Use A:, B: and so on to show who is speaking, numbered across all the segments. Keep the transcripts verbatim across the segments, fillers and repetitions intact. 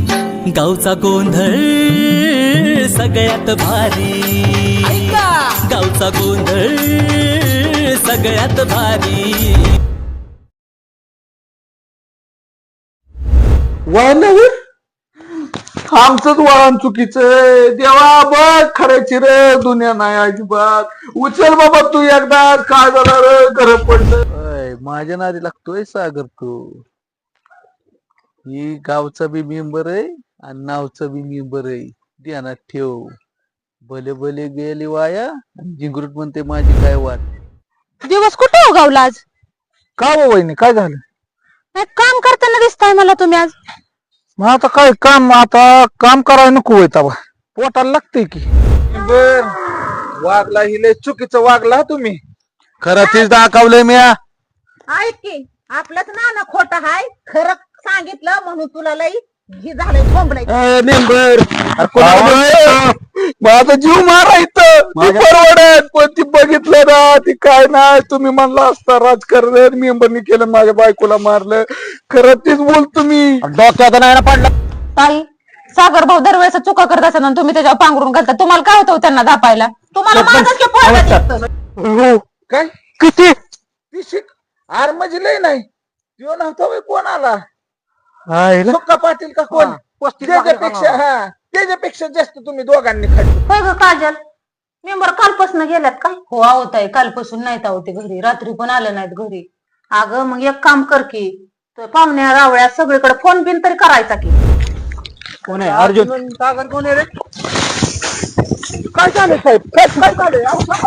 A: गावचा गोंधळ सगळ्यात भारी, गावचा गोंधळ सगळ्यात भारी.
B: वळणावर आमचंच वळण चुकीचं. देवा बघ खऱ्याची रे दुनिया नाही अजिबात. उचल बाबा तू एकदा. काय झालं रे घर पडलं. माझ्या नादी लागतोय सागर तू. ही गावचा बी मेंबर आहे आणि नावचा बी मेंबर आहे. ध्यानात ठेव. भले भले गेले वाया. जिंगरूट म्हणते माझी काय वाट.
C: दिवस कुठे हो गावला आज?
B: का हो वहिनी काय झालं?
C: काय काम करताना दिसताय मला तुम्ही आज.
B: मग आता काय काम, आता काम करायला नको होय तवा. पोटाला लागतंय की. बर वागला हिले चुकीचं वागला तुम्ही. खरं तीच दाखवलंय मी.
D: ऐक की आपलंच नाना खोटं हाय. खरं सांगितलं म्हणून तुला लई ही झालंय ठोंबलंय.
B: मेंबर माझा जीव मारायचं परवडत पण ती बघितलं ना ती काय नाही. तुम्ही म्हणला असता राजकारण मेंबरनी केलं माझ्या बायकोला मारलं. खरं तीच बोल तुम्ही. डोक्यात नाही ना पडलं.
C: ताई सागर भाऊ दरवेळेस चुका करत असतात आणि तुम्ही त्याच्यावर पांघरून घालता. तुम्हाला काय होतं त्यांना दापायला?
D: तुम्हाला माझंच की पोरगं दिसतं.
B: हो काय किती ती शिक आर म्हणजे लय नाही. तो नव्हता होय कोण आला. सुक्का पाटील का कोण? त्याच्यापेक्षा हा त्याच्यापेक्षा जास्त तुम्ही दोघांनी खाल्ली.
C: होय ग काजल, मेंबर कालपासून गेल्यात काय? हो आवत आहे. कालपासून नाहीत आहो ते घरी. रात्री पण आले नाहीत घरी.
D: अगं मग एक काम कर की पाहुण्या रावळ्या सगळीकडे फोन बिन तरी करायचा की.
B: कोण आहे अर्जुन? सागर कोण आहे रे? काय झालं साहेब? काय काय झालंय?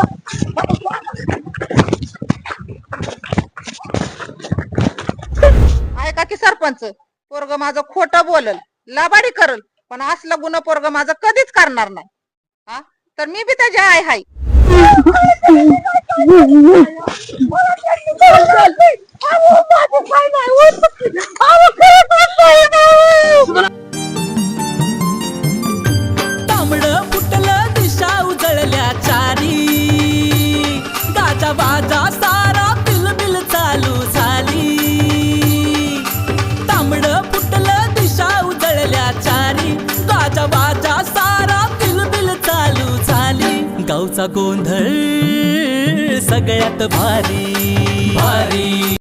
D: ऐका की सरपंच, पोरग माझं खोटं बोलल, लाबाडी करल, पण असलं गुन्हा पोरग माझं कधीच करणार नाही. हा तर मी बी त्याची आय हाय.
A: तांबडं फुटलं दिशा उजळल्या चारी, गाजा बाजा सारा बिलबिल चालू झाली. तांबडं फुटलं दिशा उजळल्या चारी, गाजा बाजा सारा बिलबिल चालू झाली. गावचा गोंधळ सगळ्यात भारी भारी.